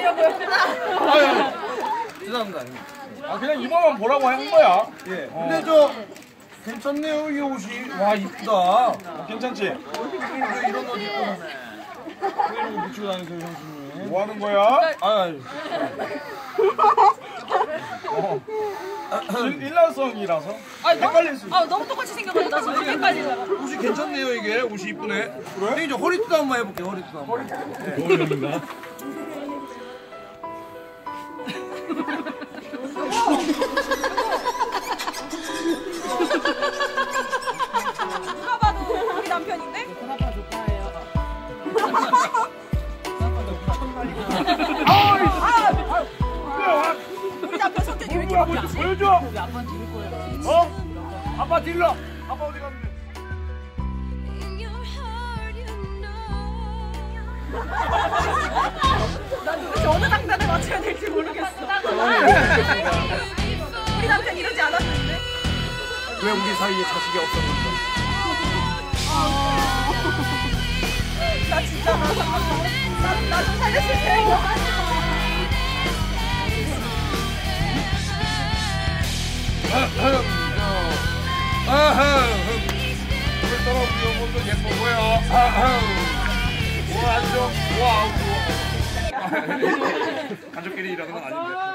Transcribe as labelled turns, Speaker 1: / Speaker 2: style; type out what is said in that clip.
Speaker 1: 드리려고요.
Speaker 2: 죄송합니다.
Speaker 3: 아 그냥 이번만 보라고 한 거야.
Speaker 2: 예. 근데 저 괜찮네요 이 옷이. 와 이쁘다.
Speaker 3: 괜찮지?
Speaker 2: 왜 이런 옷 입고 왜 이런 거 붙이고 다니세요 형수님?
Speaker 3: 뭐 하는 거야?
Speaker 2: 아유.
Speaker 3: 일란성이라서 헷갈릴 수 있어.
Speaker 1: 아 너무 똑같이 생겨가지고 나 지금 헷갈리잖아.
Speaker 2: 옷이 괜찮네요 이게. 옷이 이쁘네. 그래? 저 허리띠도 한번 해볼게요. 허리띠도 한번.
Speaker 3: 뭐입니다?
Speaker 1: 누가 봐도 우리 남편인데?
Speaker 4: 큰아빠 조카예요.
Speaker 1: 우리 남편 성격이 왜 이렇게 바뀌었지?
Speaker 3: 보여줘.
Speaker 4: 우리 아빠는 들을 거예요.
Speaker 3: 어? 아빠 딜러. 아빠 어디 갔는데?
Speaker 1: 난 도대체 어느 장단에 맞춰야 될지 모르겠어. 우리 남편 이러지 않았는데?
Speaker 2: 왜 우리 사이에 자식이 없었는가?
Speaker 1: 나 진짜 나좀 살려줄 때.
Speaker 3: 오늘 따라 우리 어머니도 예뻐 보여. 뭐 안 줘? 뭐 안 줘? 가족끼리 일하는 건 아닌데.